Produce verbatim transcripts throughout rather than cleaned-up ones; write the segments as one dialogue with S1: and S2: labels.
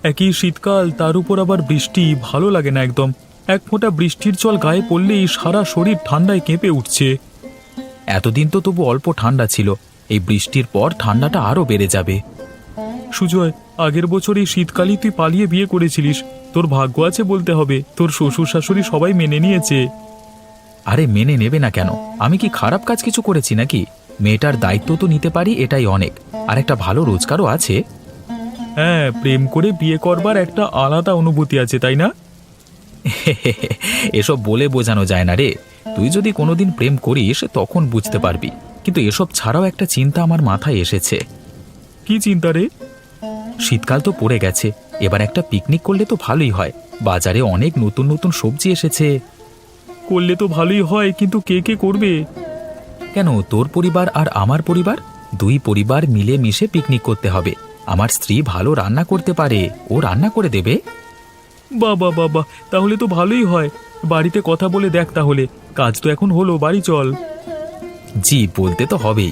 S1: একই শীতকাল, তার উপর আবার বৃষ্টি, ভালো লাগে না একদম। এক ফোঁটা বৃষ্টির জল গায়ে পড়লেই সারা শরীর ঠান্ডায় কেঁপে উঠছে। এতদিন তো তবু অল্প ঠান্ডা ছিল, এই বৃষ্টির পর ঠান্ডাটা আরো বেড়ে যাবে। সুজয়, আগের বছর এই শীতকালেই তুই পালিয়ে বিয়ে করেছিলিস। তোর ভাগ্য আছে বলতে হবে, তোর শ্বশুর শাশুড়ি সবাই মেনে নিয়েছে। আরে মেনে নেবে না কেন? আমি কি খারাপ কাজ কিছু করেছি নাকি? মেয়েটার দায়িত্ব তো নিতে পারি, এটাই অনেক। আর একটা ভালো রোজগারও আছে। হ্যাঁ, প্রেম করে বিয়ে করবার একটা আলাদা অনুভূতি আছে, তাই না? এসব বলে বোঝানো যায় না রে। তুই যদি কোনোদিন প্রেম করিস তখন বুঝতে পারবি। কিন্তু এসব ছাড়াও একটা চিন্তা আমার মাথায় এসেছে। কি চিন্তা রে? শীতকাল তো পড়ে গেছে, এবার একটা পিকনিক করলে তো ভালোই হয়। বাজারে অনেক নতুন নতুন সবজি এসেছে। করলে তো ভালোই হয়, কিন্তু কে কে করবে? কেন, তোর পরিবার আর আমার পরিবার, দুই পরিবার মিলে মিশে পিকনিক করতে হবে। আমার স্ত্রী ভালো রান্না করতে পারে, ও রান্না করে দেবে। বাবা বাবা, তাহলে তো ভালোই হয়। বাড়িতে কথা বলে দেখ তাহলে। কাজ তো এখন হলো, বাড়ি চল। জি, বলতে তো হবেই।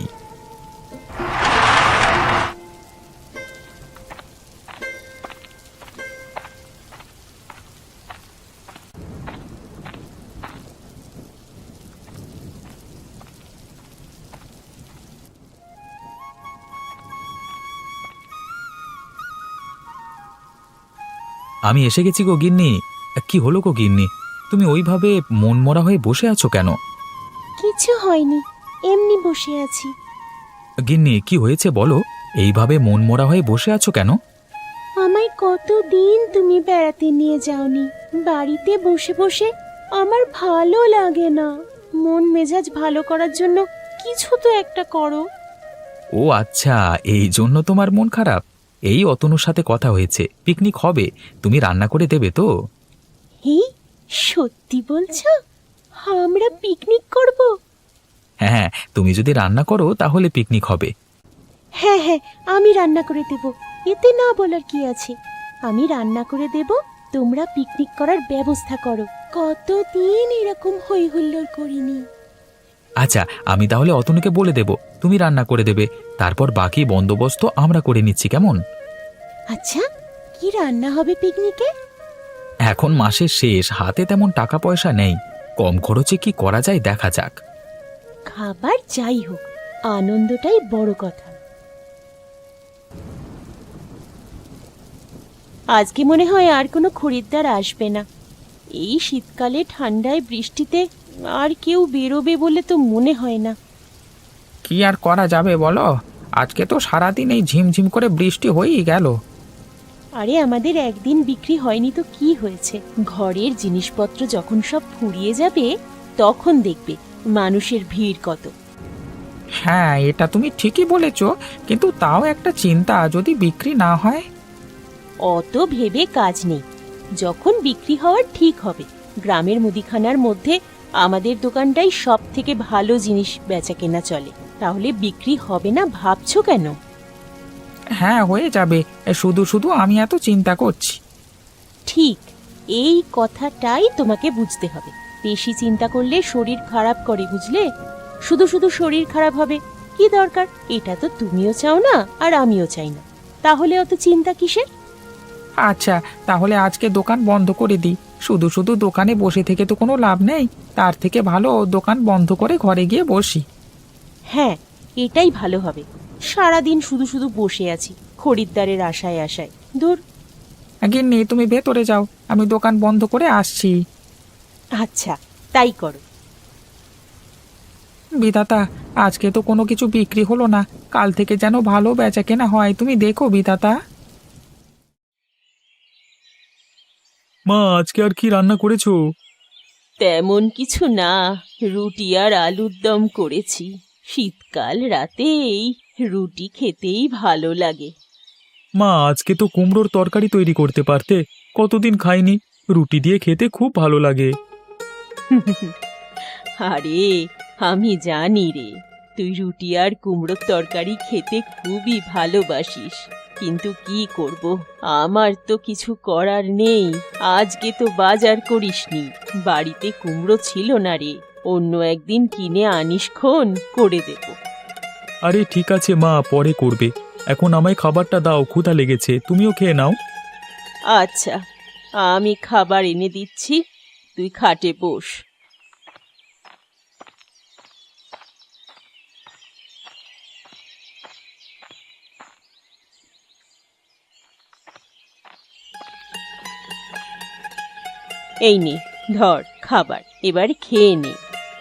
S1: আমি এসে গেছি গো গিন্নি। কি হলো গো গিন্নি, তুমি ওইভাবে মনমরা হয়ে বসে আছো কেন?
S2: কিছু হয়নি, এমনি বসে আছি।
S1: গিন্নি, কি হয়েছে বলো? এইভাবে মনমরা হয়ে বসে আছো কেন?
S2: আমায় কতদিন তুমি বেড়াতে নিয়ে যাওনি। বাড়িতে বসে বসে আমার ভালো লাগে না। মন মেজাজ ভালো করার জন্য কিছু তো একটা করো।
S1: ও আচ্ছা, এই জন্য তোমার মন খারাপ। এই অতনুর সাথে কথা হয়েছে, পিকনিক হবে। তুমি রান্না করে দেবে তো?
S2: হি, সত্যি বলছো? আমরা পিকনিক করব?
S1: হ্যাঁ হ্যাঁ, তুমি যদি রান্না করো তাহলে পিকনিক হবে।
S2: হ্যাঁ হ্যাঁ, আমি রান্না করে দেব। এতে না বলার কি আছে? আমি রান্না করে দেব, তোমরা পিকনিক করার ব্যবস্থা করো। কতদিন এরকম হই হুল্লোড় করিনি।
S1: আচ্ছা, আমি তাহলে অতনুকে বলে দেব, তুমি রান্না করে দেবে। তারপর বাকি বন্দোবস্ত আমরা করে নিচ্ছি, কেমন?
S2: আচ্ছা, কি রান্না হবে পিকনিকে?
S1: এখন মাসের শেষ, হাতে তেমন টাকা পয়সা নেই। কম খরচে কি করা যায় দেখা যাক।
S2: খাবার যাই হোক, আনন্দটাই বড় কথা। আজকে মনে হয় আর কোনো খরিদ্দার আসবে না। এই শীতকালে ঠান্ডায় বৃষ্টিতে আর কেউ বেরোবে বলে তো মনে হয় না।
S3: কি আর করা যাবে বলো, আজকে তো সারাদিন এই ঝিমঝিম করে বৃষ্টি হয়েই গেল।
S2: আরে আমাদের একদিন বিক্রি হয়নি তো কি হয়েছে? ঘরের জিনিসপত্র যখন সব ফুরিয়ে যাবে তখন দেখবে মানুষের ভিড় কত।
S3: হ্যাঁ, এটা তুমি ঠিকই বলেছ, কিন্তু তাও একটা চিন্তা, যদি বিক্রি না হয়।
S2: অত ভেবে কাজ নেই, যখন বিক্রি হওয়ার ঠিক হবে। গ্রামের মুদিখানার মধ্যে আমাদের দোকানটাই সব থেকে ভালো জিনিস বেচা কেনা চলে। তাহলে বিক্রি হবে না ভাবছো কেন?
S3: হ্যাঁ, হয়ে যাবে। শুধু শুধু আমি এত চিন্তা করছি।
S2: ঠিক, এই কথাটাই তোমাকে বুঝতে হবে। বেশি চিন্তা করলে শরীর খারাপ করে, বুঝলে? শুধু শুধু শরীর খারাপ হবে, কি দরকার? এটা তো তুমিও চাও না আর আমিও চাই না। তাহলে অত চিন্তা কিসের?
S3: আচ্ছা, তাহলে আজকে দোকান বন্ধ করে দিই। শুধু শুধু দোকানে বসে থেকে তো কোনো লাভ নেই। তার থেকে ভালো দোকান বন্ধ করে ঘরে গিয়ে বসি।
S2: হ্যাঁ, এটাই ভালো হবে। সারাদিন শুধু শুধু বসে আছি খরিদ্দারের আশায় আশায়। দূর।
S3: গিন্নি, তুমি ভেতরে যাও, আমি দোকান বন্ধ করে আসছি।
S2: আচ্ছা, তাই করো।
S3: বিধাতা, আজকে তো কোনো কিছু বিক্রি হলো না। কাল থেকে যেন ভালো বেচা কেনা হয়, তুমি দেখো বিধাতা।
S1: মা, আজকে আর কি রান্না করেছো?
S2: তেমন কিছু না, রুটি আর আলুর দম করেছি। শীতকাল রাতেই রুটি খেতেই ভালো লাগে।
S1: মা, আজকে তো কুমড়োর তরকারি তৈরি করতে পারতে। কতদিন খাইনি, রুটি দিয়ে খেতে খুব ভালো লাগে।
S2: আরে, আমি জানি রে, তুই রুটি আর কুমড়োর তরকারি খেতে খুবই ভালোবাসিস। কিন্তু কি করব, আমার তো কিছু করার নেই। আজকে তো বাজার করিসনি, বাড়িতে কুমড়ো ছিল না রে। অন্য একদিন কিনে আনিস, খন করে দেব।
S1: আরে ঠিক আছে মা, পরে করবে। এখন আমায় খাবারটা দাও, ক্ষুধা লেগেছে, তুমিও খেয়ে নাও।
S2: আচ্ছা, আমি খাবার এনে দিচ্ছি, তুই খাটে বস। এই নে, ধর খাবার, এবার খেয়ে নে।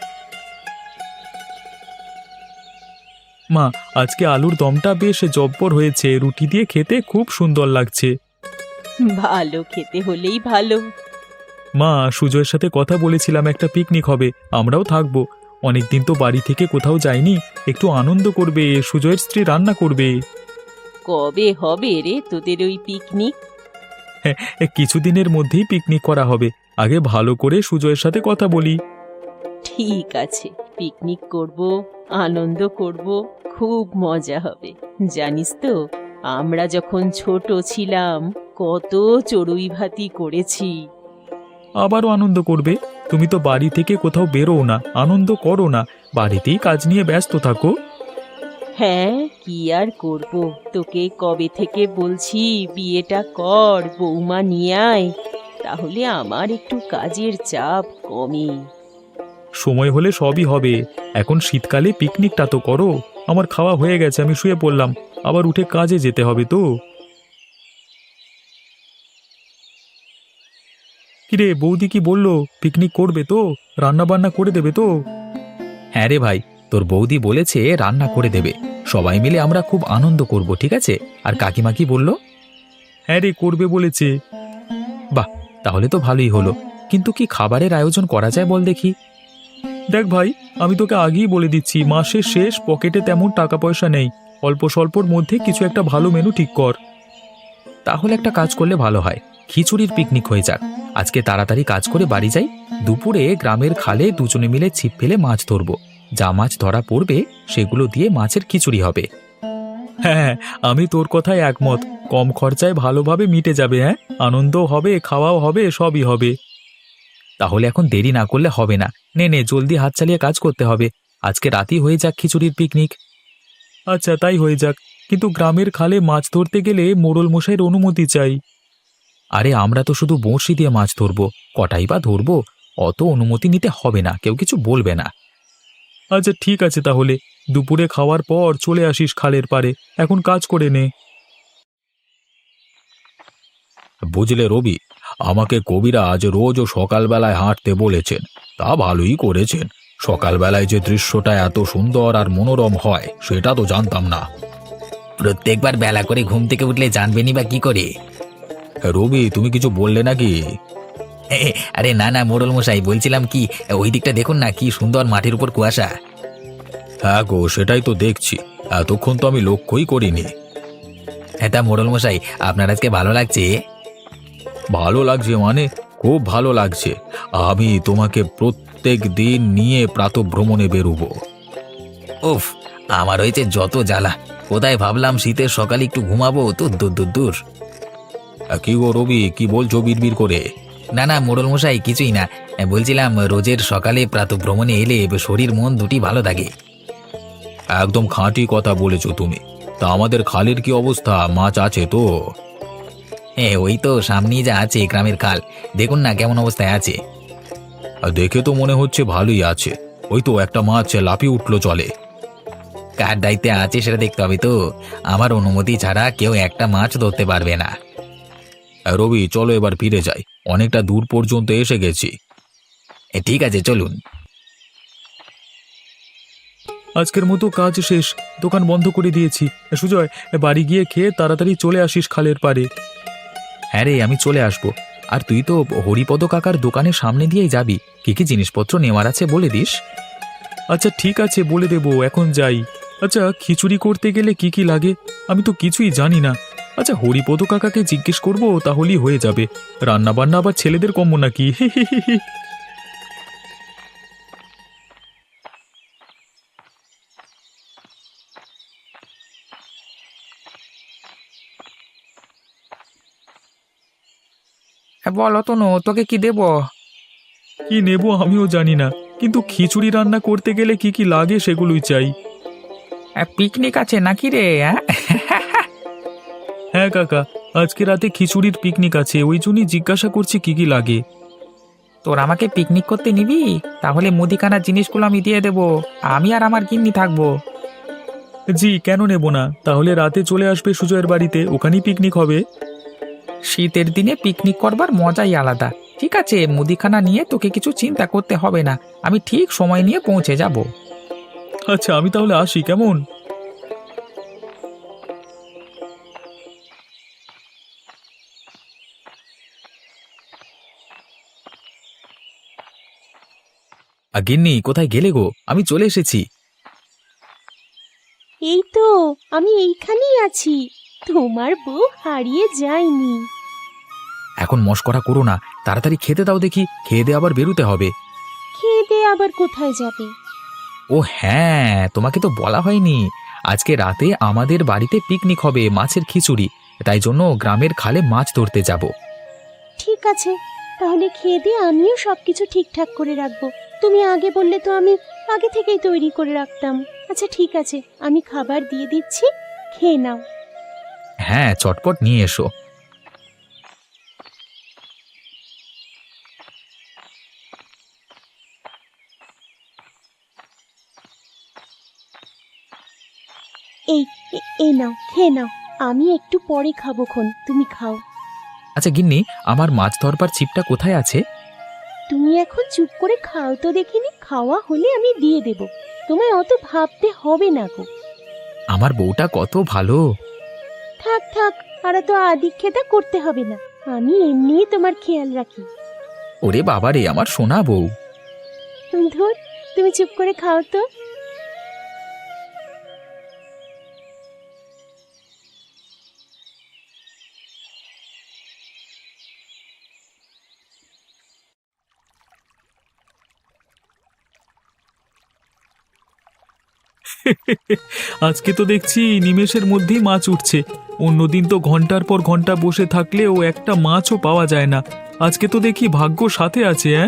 S1: মা, আজকে আলুর দমটা বেশ জব্বর হয়েছে, রুটি দিয়ে খেতে খুব সুন্দর লাগছে।
S2: ভালো খেতে হলেই ভালো।
S1: মা, সুজয়ের সাথে কথা বলেছিলাম একটা পিকনিক হবে, আমরাও থাকবো। অনেকদিন তো বাড়ি থেকে কোথাও যাইনি, একটু আনন্দ করবে, সুজয়ের স্ত্রী রান্না করবে।
S2: কবে হবে রে তোদের ওই পিকনিক?
S1: হ্যাঁ, কিছুদিনের মধ্যেই পিকনিক করা হবে, আগে ভালো করে সুজয়ের সাথে কথা বলি।
S2: ঠিক আছে, পিকনিক করব, আনন্দ করব, খুব মজা হবে। জানিস তো, আমরা যখন ছোট ছিলাম কত চড়ুই ভাতি করেছি।
S1: আবারও আনন্দ করবে? তুমি তো বাড়ি থেকে কোথাও বেরোও না, আনন্দ করো না, বাড়িতেই কাজ নিয়ে ব্যস্ত থাকো।
S2: হ্যাঁ, কি আর করব, তোকে কবে থেকে বলছি বিয়েটা কর, বৌমা নিয়ে আয়, তাহলে আমার একটু কাজের চাপ কমে।
S1: সময় হলে সবই হবে, এখন শীতকালে পিকনিকটা তো করো। আমার খাওয়া হয়ে গেছে, আমি শুয়ে পড়লাম, আবার উঠে কাজে যেতে হবে তো। কিরে, বৌদি কি বললো? পিকনিক করবে তো? রান্না বান্না করে দেবে তো? হ্যাঁ রে ভাই, তোর বৌদি বলেছে রান্না করে দেবে, সবাই মিলে আমরা খুব আনন্দ করব, ঠিক আছে? আর কাকিমা কি বললো? হ্যাঁ রে, করবে বলেছে। বাহ, তাহলে তো ভালোই হলো, কিন্তু কি খাবারের আয়োজন করা যায় বল দেখি। দেখ ভাই, আমি তোকে আগেই বলে দিচ্ছি, মাসের শেষ, পকেটে তেমন টাকা পয়সা নেই, অল্প স্বল্পর মধ্যে কিছু একটা ভালো মেনু ঠিক কর। তাহলে একটা কাজ করলে ভালো হয়, খিচুড়ির পিকনিক হয়ে যাক। আজকে তাড়াতাড়ি কাজ করে বাড়ি যাই, দুপুরে গ্রামের খালে দুজনে মিলে ছিপ ফেলে মাছ ধরবো, যা মাছ ধরা পড়বে সেগুলো দিয়ে মাছের খিচুড়ি হবে। হ্যাঁ, আমি তোর কথায় একমত, কম খরচায় ভালোভাবে মিটে যাবে। হ্যাঁ, আনন্দও হবে, খাওয়াও হবে, সবই হবে। তাহলে এখন দেরি না করলে হবে না, নে নে জলদি হাত চালিয়ে কাজ করতে হবে, আজকে রাতই হয়ে যাক খিচুড়ির পিকনিক। আচ্ছা, তাই হয়ে যাক, কিন্তু গ্রামের খালে মাছ ধরতে গেলে মোড়ল মশাইয়ের অনুমতি চাই। আরে আমরা তো শুধু বঁড়শি দিয়ে মাছ ধরবো, কটাই বা ধরবো, অত অনুমতি নিতে হবে না, কেউ কিছু বলবে না। আচ্ছা ঠিক আছে, তাহলে দুপুরে খাওয়ার পর চলে আসিস খালের পাড়ে, এখন কাজ করে নে। বুঝলে রবি, আমাকে কবিরাজ রোজ ও সকালবেলায় হাঁটতে বলেছেন, তা ভালোই করেছেন। সকালবেলায় যে দৃশ্যটা এত সুন্দর আর মনোরম হয় সেটা তো জানতাম না। প্রত্যেকবার বেলা করে ঘুম থেকে উঠলে জানবেনই বা কি করে? রবি, তুমি কিছু বললে নাকি? আরে না না মোড়ল মশাই, বলছিলাম কি, ওই দিকটা দেখুন না, কি সুন্দর মাটির উপর কুয়াশা। হ্যাঁ গো, সেটাই তো দেখছি, এতক্ষণ তো আমি লক্ষ্যই করিনি। হ্যাঁ, তা মোড়ল মশাই, আপনার আজকে ভালো লাগছে? ভালো লাগছে মানে খুব ভালো লাগছে, আমি তোমাকে প্রত্যেক দিন নিয়ে প্রাতঃভ্রমণে বেরোবো। উফ, আমার হয়েছে যত জ্বালা, কোথায় ভাবলাম শীতের সকালে একটু ঘুমাবো, তো দূর দূর দূর। কি গো রবি, কি বলছো বিড়বিড় করে? না না মোড়ল মশাই, কিছুই না, বলছিলাম রোজের সকালে প্রাতঃভ্রমণে এলে শরীর মন দুটি ভালো থাকে। একদম খাঁটি কথা বলেছো তুমি। তা আমাদের খালের কি অবস্থা, মাছ আছে তো? হ্যাঁ, ওই তো সামনেই যা আছে গ্রামের খাল, দেখুন না কেমন অবস্থায় আছে। দেখে তো মনে হচ্ছে ভালোই আছে, ওই তো একটা মাছ লাফিয়ে উঠলো চলে। কার দায়িত্বে আছে সেটা দেখতে হবে তো, আমার অনুমতি ছাড়া কেউ একটা মাছ ধরতে পারবে না। রবি, চলো এবার ফিরে যাই, অনেকটা দূর পর্যন্ত এসে গেছি। ঠিক আছে, চলুন। আজকের মতো কাজ শেষ, দোকান বন্ধ করে দিয়েছি। সুজয়, বাড়ি গিয়ে খেয়ে তাড়াতাড়ি চলে আসিস খালের পাড়ে। হ্যাঁ রে, আমি চলে আসবো। আর তুই তো হরিপদ কাকার দোকানের সামনে দিয়েই যাবি, কি কি জিনিসপত্র নেওয়ার আছে বলে দিস। আচ্ছা ঠিক আছে, বলে দেবো, এখন যাই। আচ্ছা, খিচুড়ি করতে গেলে কি কি লাগে? আমি তো কিছুই জানি না। আচ্ছা, হরিপদ কাকাকে জিজ্ঞেস করবো, তাহলেই হয়ে যাবে। রান্না বান্না আবার ছেলেদের কম্য নাকি?
S3: হ্যাঁ, বলো তনু, তোকে কি দেবো?
S1: কি নেব আমিও জানি না, কিন্তু খিচুড়ি রান্না করতে গেলে কি কি লাগে সেগুলোই চাই।
S3: পিকনিক আছে নাকি রে? হ্যাঁ,
S1: হ্যাঁ কাকা, আজকে রাতে খিচুড়ির পিকনিক আছে, ওই জন্যই জিজ্ঞাসা করছি কি কি লাগে।
S3: তোর আমাকে পিকনিক করতে নিবি? তাহলে মুদিখানার জিনিসগুলো আমি দিয়ে দেবো। আমি আর আমার গিন্নি থাকবো।
S1: জি, কেন নেব না? তাহলে রাতে চলে আসবে সুজয়ের বাড়িতে, ওখানেই পিকনিক হবে।
S3: শীতের দিনে পিকনিক করবার মজাই আলাদা। ঠিক আছে, মুদিখানা নিয়ে তোকে কিছু চিন্তা করতে হবে না, আমি ঠিক সময় নিয়ে পৌঁছে যাব।
S1: আচ্ছা, আমি তাহলে আসি, কেমন? আ, গিন্নি কোথায় গেলে গো? আমি চলে এসেছি।
S2: এই তো, আমি এইখানেই আছি। তোমার বউ হারিয়ে যায়নি।
S1: এখন মশকরা করো না, তাড়াতাড়ি খেতে দাও দেখি, খেয়ে দিয়ে আবার বেরোতে হবে।
S2: খেয়ে দিয়ে আবার কোথায় যাবে?
S1: ও হ্যাঁ, তোমাকে তো বলা হয়নি, আজকে রাতে আমাদের বাড়িতে পিকনিক হবে, মাছের খিচুড়ি। তাই জন্য গ্রামের খালে মাছ ধরতে যাব।
S2: ঠিক আছে, তাহলে খেয়ে দিয়ে আমিও সবকিছু ঠিকঠাক করে রাখবো। তুমি আগে বললে তো আমি আগে থেকেই তৈরি করে রাখতাম। আচ্ছা ঠিক আছে, আমি খাবার দিয়ে দিচ্ছি, খেয়ে নাও।
S1: হ্যাঁ, চটপট নিয়ে এসো।
S2: এই এ- এই নাও, খেয়ে নাও। আমি একটু পরে খাবো খন, তুমি খাও।
S1: আচ্ছা গিন্নি, আমার মাছ ধরবার ছিপটা কোথায় আছে?
S2: তুমি এখন চুপ করে খাও তো দেখিনি, খাওয়া হলে আমি দিয়ে দেব। তোমায় অত ভাবতে হবে না গো।
S1: আমার বউটা কত ভালো।
S2: থাক থাক, আর তো আদিক্ষেতা করতে হবে না, আমি এমনিই তোমার খেয়াল রাখি।
S1: ওরে বাবারে, আমার সোনা বউ।
S2: ধুর, তুমি চুপ করে খাও তো।
S1: আজকে তো দেখছি নিমেষের মধ্যেই মাছ উঠছে। অন্যদিন তো ঘন্টার পর ঘন্টা বসে থাকলেও একটা মাছও পাওয়া যায় না। আজকে তো দেখি ভাগ্য সাথে আছে। হ্যাঁ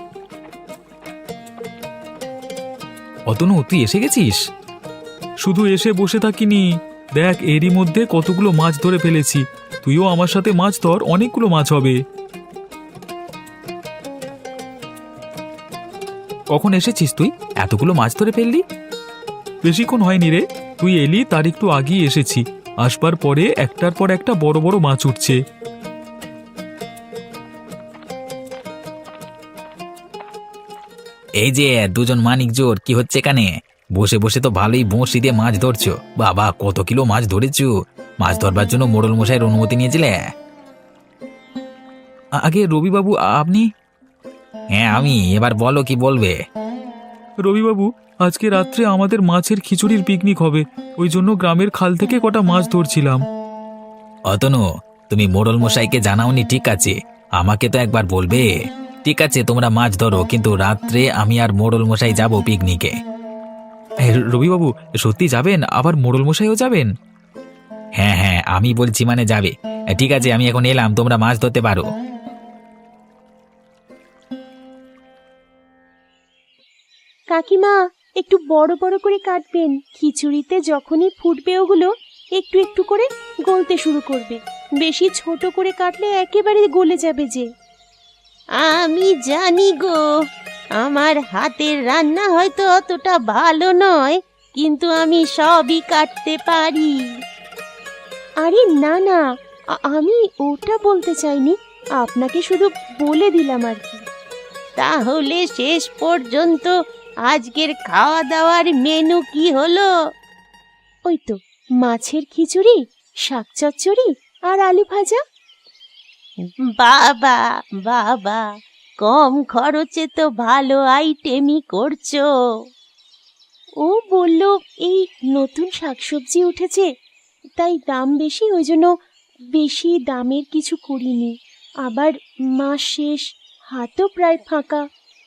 S1: অতনু, তুই এসে গেছিস? শুধু এসে বসে থাকিনি, দেখ এরই মধ্যে কতগুলো মাছ ধরে ফেলেছি। তুইও আমার সাথে মাছ ধর, অনেকগুলো মাছ হবে। কখন এসেছিস তুই? এতগুলো মাছ ধরে ফেললি? বেশিক্ষণ হয়নি রে, তুই এলি তার একটু আগেই এসেছি। আসবার পরে একটার পর একটা বড় বড় মাছ উঠছে। এই যে দুজন মানিক জোর, কি হচ্ছে এখানে? বসে বসে তো ভালোই বঁড়শি দিয়ে মাছ ধরছো। বাবা, কত কিলো মাছ ধরেছো? মাছ ধরবার জন্য মোড়ল মশাইয়ের অনুমতি নিয়েছিলে? আ- আগে রবিবাবু, আপনি? হ্যাঁ আমি, এবার বলো কি বলবে। রবিবাবু, আজকে রাত্রে আমাদের মাছের খিচুড়ির পিকনিক হবে, ওই জন্য গ্রামের খাল থেকে কটা মাছ ধরছিলাম। অতনু, তুমি মোড়ল মশাইকে জানাওনি? ঠিক আছে, আমাকে তো একবার বলবে। ঠিক আছে, তোমরা মাছ ধরো, কিন্তু রাত্রে আমি আর মোড়ল মশাই যাব পিকনিকে। রবিবাবু, সত্যি যাবেন? আবার মোড়ল মশাইও যাবেন? হ্যাঁ হ্যাঁ, আমি বলছি মানে যাবে। ঠিক আছে, আমি এখন এলাম, তোমরা মাছ ধরতে পারো।
S2: কাকিমা, একটু বড় বড় করে কাটবেন। খিচুড়িতে যখনই ফুটবে ওগুলো একটু একটু করে গলতে শুরু করবে। বেশি ছোট করে কাটলে একেবারে গলে যাবে যে। আমি জানি গো, আমার হাতের রান্না হয়তো অতটা ভালো নয়, কিন্তু আমি সবই কাটতে পারি। আরে না না, আ- আমি ওটা বলতে চাইনি, আপনাকে শুধু বলে দিলাম আর কি। তাহলে শেষ পর্যন্ত আজকের খাওয়া দাওয়ার মেনু কি হলো? ওই তো, মাছের খিচুড়ি, শাক চচ্চড়ি আর আলু ভাজা। বাবা বাবা, কম খরচে তো ভালো আইটেমই করছো। ও বলল এই নতুন শাকসবজি উঠেছে, তাই দাম বেশি, ওই জন্য বেশি দামের কিছু করিনি। আবার মাস শেষ, হাতও প্রায় ফাঁকা।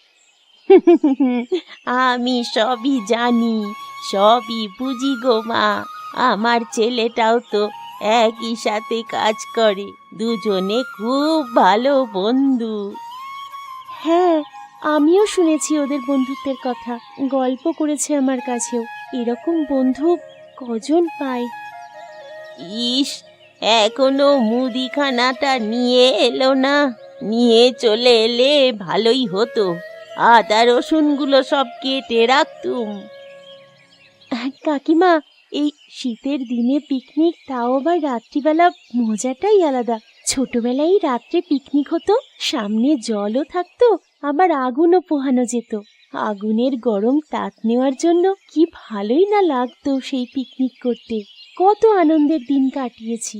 S2: আমি সবই জানি, সবই বুঝি গো মা। আমার ছেলেটাও তো একই সাথে কাজ করে, দুজনে খুব ভালো বন্ধু। হ্যাঁ, আমিও শুনেছি ওদের বন্ধুত্বের কথা, গল্প করেছে আমার কাছেও। এরকম বন্ধু কজন পায়? ইস, এখনো মুদিখানাটা নিয়ে এলো না। নিয়ে চলে এলে ভালোই হতো। আদা রসুনগুলো সব কেটে রাখতুম। কাকিমা, এই শীতের দিনে পিকনিক, তাও আবার রাত্রিবেলা, মজাটাই আলাদা। ছোটবেলায় রাত্রে পিকনিক হতো, সামনে জলও থাকতো, আবার আগুনও পোহানো যেত। আগুনের গরম তাপ নেওয়ার জন্য কি ভালোই না লাগতো সেই পিকনিক করতে। কত আনন্দের দিন কাটিয়েছি।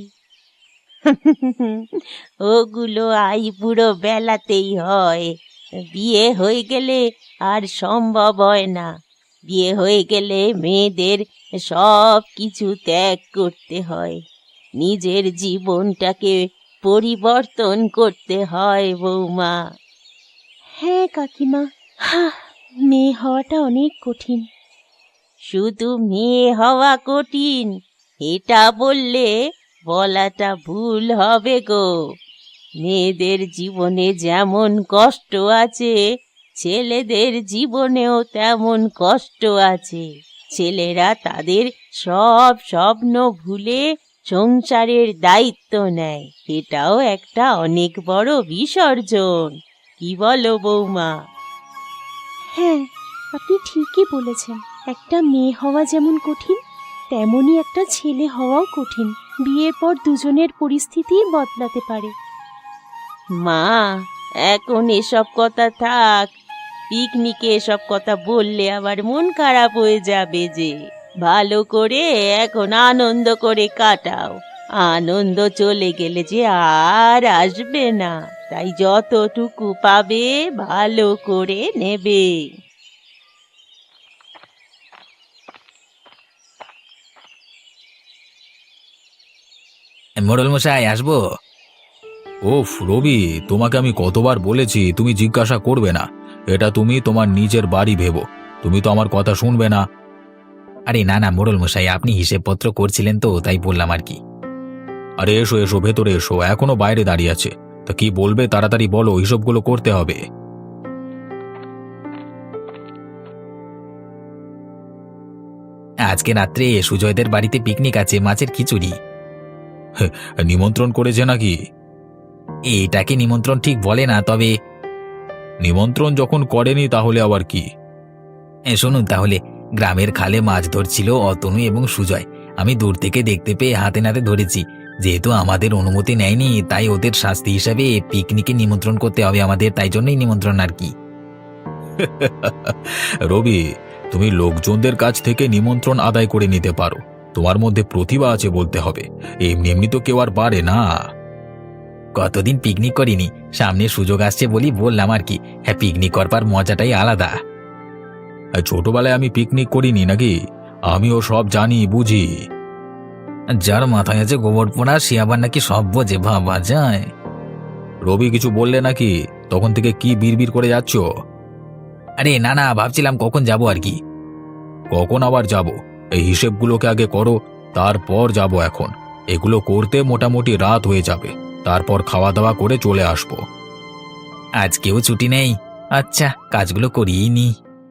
S2: ওগুলো আইবুড়ো বেলাতেই হয়, বিয়ে হয়ে গেলে আর সম্ভব হয় না। বিয়ে হয়ে গেলে মেয়েদের সব কিছু ত্যাগ করতে হয়, নিজের জীবনটাকে পরিবর্তন করতে হয় বৌমা। হ্যাঁ কাকিমা, মেয়ে হওয়াটা অনেক কঠিন। শুধু মেয়ে হওয়া কঠিন এটা বললে বলাটা ভুল হবে গো। মেয়েদের জীবনে যেমন কষ্ট আছে, ছেলেদের জীবনেও তেমন কষ্ট আছে। ছেলেরা তাদের সব স্বপ্ন ভুলে সংসারের দায়িত্ব নেয়, এটাও একটা অনেক বড় বিসর্জন। কি বলো বৌমা? হ্যাঁ, আপনি ঠিকই বলেছেন। একটা মেয়ে হওয়া যেমন কঠিন, তেমনই একটা ছেলে হওয়াও কঠিন। বিয়ের পর দুজনের পরিস্থিতি বদলাতে পারে। মা, এখন এসব কথা থাক। পিকনিকে এসব কথা বললে আবার মন খারাপ হয়ে যাবে যে। ভালো করে এখন আনন্দ করে কাটাও। আনন্দ চলে গেলে যে আর আসবে না, তাই যতটুকু পাবে ভালো করে নেবে।
S1: মোড়ল মশাই, আসবো? ওফ রবি, তোমাকে আমি কতবার বলেছি তুমি জিজ্ঞাসা করবে না। এটা তুমি তোমার নিজের বাড়ি ভেবো, তুমি তো আমার কথা শুনবে না। আরে না না মোড়ল মশাই, আপনি হিসেবপত্র করছিলেন তো, তাই বললাম আর কি। আরে এসো এসো, ভেতরে এসো, এখনো বাইরে দাঁড়িয়ে আছে। তা কি বলবে তাড়াতাড়ি বলো, হিসেবগুলো করতে হবে। আজকে রাত্রে সুজয়দের বাড়িতে পিকনিক আছে, মাছের খিচুড়ি। নিমন্ত্রণ করেছে নাকি? এটাকে নিমন্ত্রণ ঠিক বলে না, তবে নিমন্ত্রণ যখন করেনি তাহলে আবার কি? শুনুন তাহলে, গ্রামের খালে মাছ ধরছিল অতনু এবং সুজয়। আমি দূর থেকে দেখতে পেয়ে হাতে নাতে ধরেছি। যেহেতু আমাদের অনুমতি নেয়নি, তাই ওদের শাস্তি হিসাবে পিকনিকে নিমন্ত্রণ করতে হবে আমাদের, তাই জন্যই নিমন্ত্রণ আর কি। রবি, তুমি লোকজনদের কাছ থেকে নিমন্ত্রণ আদায় করে নিতে পারো, তোমার মধ্যে প্রতিভা আছে বলতে হবে। এমনি এমনি তো কেউ আর পারে না। কতদিন পিকনিক করিনি, সামনে সুযোগ আসছে বলি বললাম আর কি। হ্যাঁ, পিকনিক করবার মজাটাই আলাদা। ছোটবেলায় আমি পিকনিক করিনি নাকি? আমিও সব জানি বুঝি। যার মাথায় আছে গোবর পোড়া সে আবার নাকি সব বোঝে, ভাবা যায়। রবি কিছু বললে নাকি? তখন থেকে কি বিড়বিড় করে যাচ্ছ? আরে না না, ভাবছিলাম কখন যাব আর কি। কখন আবার যাব? এই হিসেবগুলোকে আগে করো, তারপর যাব। এখন এগুলো করতে মোটামুটি রাত হয়ে যাবে, তারপর খাওয়া দাওয়া করে চলে আসবো। আজকেও ছুটি নেই? আচ্ছা, কাজগুলো করিয়েই নি।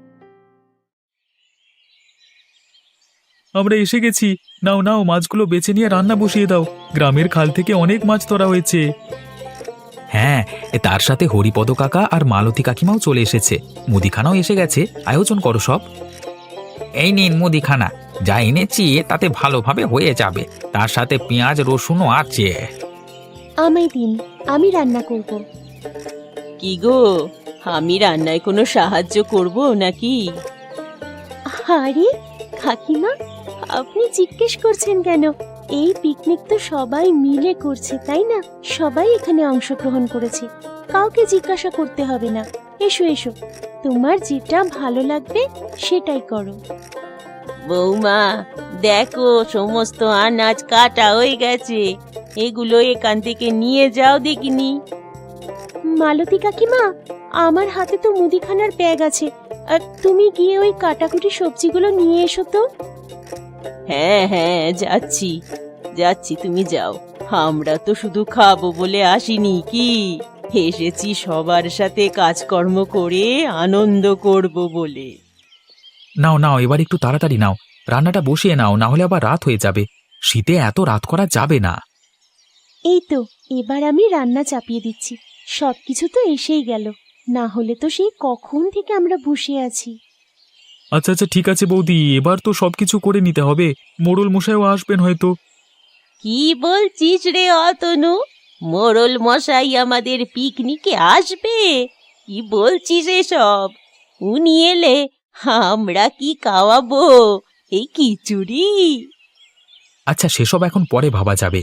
S1: আমরা এসে গেছি। নাও নাও, মাছগুলো বেছে নিয়ে রান্না বসিয়ে দাও। গ্রামের খাল থেকে অনেক মাছ ধরা হয়েছে। হ্যাঁ, তার সাথে হরিপদ কাকা আর মালতী কাকিমাও চলে এসেছে। মুদিখানাও এসে গেছে, আয়োজন করো সব। এই নিন মুদিখানা, যা এনেছি তাতে ভালোভাবে হয়ে যাবে। তার সাথে পেঁয়াজ রসুনও আছে।
S2: আমায় দিন, আমি রান্না করব। কি গো, আমি রান্নায় কোনো সাহায্য করব নাকি? আরে কাকিমা, আপনি জিজ্ঞেস করছেন কেন? এই পিকনিক তো সবাই মিলে করছে, তাই না? সবাই এখানে অংশগ্রহণ করেছে, কাউকে জিজ্ঞাসা করতে হবে না। এসো এসো, তোমার যেটা ভালো লাগবে সেটাই করো। বৌমা, দেখো সমস্ত আনাজ কাটা হয়ে গেছে, এগুলো এখান থেকে নিয়ে যাও দেখিনি। মালতী কাকিমা, আমার হাতে তো মুদিখানার ব্যাগ আছে, আর তুমি গিয়ে ওই কাটাকুটি সবজিগুলো নিয়ে এসো তো। হ্যাঁ হ্যাঁ, যাচ্ছি যাচ্ছি, তুমি যাও। আমরা তো শুধু খাবো বলে আসিনি, কি এসেছি সবার সাথে কাজকর্ম করে আনন্দ করব বলে।
S1: নাও নাও, এবার একটু তাড়াতাড়ি নাও, রান্নাটা বসিয়ে নাও, না হলে আবার রাত হয়ে যাবে। শীতে এত রাত করা যাবে না।
S4: এই তো এবার আমি রান্না চাপিয়ে দিচ্ছি। সবকিছু তো এসেই গেল, না হলে তো সেই কখন থেকে আমরা বসে আছি।
S1: আচ্ছা আচ্ছা ঠিক আছে বৌদি, এবার তো সবকিছু করে নিতে হবে। মোড়ল মশাইও আসবেন হয়তো।
S2: কি বলছিস রে অতনু? মোড়ল মশাই আমাদের পিকনিকে আসবে? কি বলছিস এসব? উনি এলে আমরা কি খাওয়াবো? এই খিচুড়ি?
S1: আচ্ছা সেসব এখন পরে ভাবা যাবে।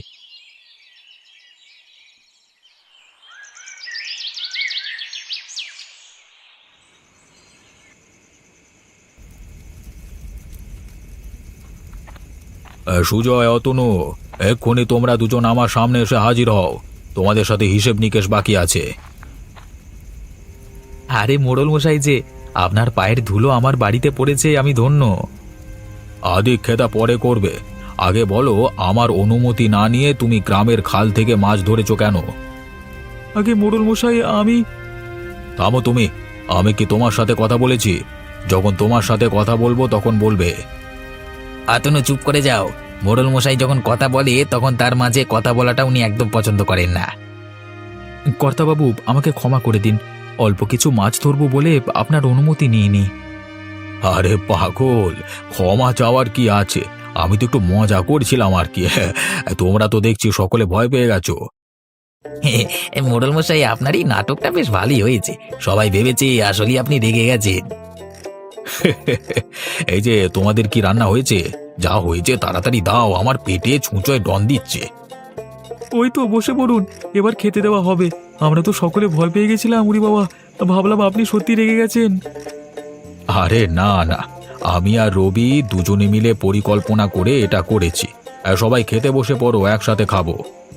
S1: সুজয়, অতনু, এক্ষুনি তোমরা দুজন আমার সামনে এসে হাজির হও। তোমাদের সাথে হিসেব নিকেশ বাকি আছে। আরে মোড়ল মশাই যে, আপনার পায়ের ধুলো আমার বাড়িতে পড়েছে, আমি ধন্য। আদিক্ষেতা পরে করবে, আগে বলো আমার অনুমতি না নিয়ে তুমি গ্রামের খাল থেকে মাছ ধরেছো কেন? আগে মোড়ল মশাই আমি। থামো তুমি, আমি কি তোমার সাথে কথা বলেছি? যখন তোমার সাথে কথা বলবো তখন বলবে।
S5: আতনু চুপ করে যাও। মোড়ল মশাই যখন কথা বলে তখন তার মাঝে কথা বলাটা উনি একদম পছন্দ করেন না।
S1: কর্তাবাবু, আমাকে ক্ষমা করে দিন, অল্প কিছু মাছ ধরবো বলে আপনার অনুমতি নিইনি। আরে পাগল, ক্ষমা চাওয়ার কি আছে? আমি তো একটু মজা করছিলাম আর কি। তোমরা তো দেখছি সকলে ভয় পেয়ে গেছো।
S5: মোড়ল মশাই আপনার এই নাটকটা বেশ ভালোই হয়েছে। সবাই ভেবেছে আসলে আপনি রেগে গেছেন।
S1: এই যে তোমাদের কি রান্না হয়েছে? যা হয়েছে তাড়াতাড়ি দাও, আমার পেটে ছুঁচোয় ডন দিচ্ছে। ওই তো বসে পড়ুন, এবার খেতে দেওয়া হবে। আমরা তো সকলে ভয় পেয়ে গেছিলাম, উরি বাবা, ভাবলাম আপনি সত্যি রেগে গেছেন। আরে না না, আমি আর রবি দুজনে মিলে পরিকল্পনা করে এটা করেছি। আর সবাই খেতে বসে পড়ো, একসাথে খাবো।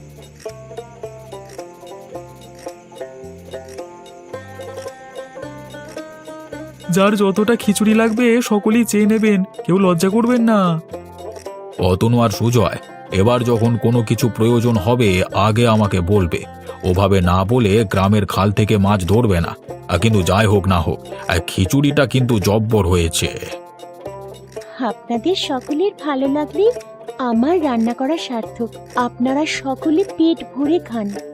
S1: যার যতটা খিচুড়ি লাগবে সকলেই চেয়ে নেবেন, কেউ লজ্জা করবেন না। অতনু আর সুজয়, এবার যখন কোনো কিছু প্রয়োজন হবে আগে আমাকে বলবে। ওভাবে না বলে গ্রামের খাল থেকে মাছ ধরবে না। আর কিন্তু যাই হোক না হোক, আর খিচুড়িটা কিন্তু জব্বর হয়েছে।
S4: আপনাদের সকলের ভালো লাগলে আমার রান্না করা সার্থক। আপনারা সকলে পেট ভরে খান।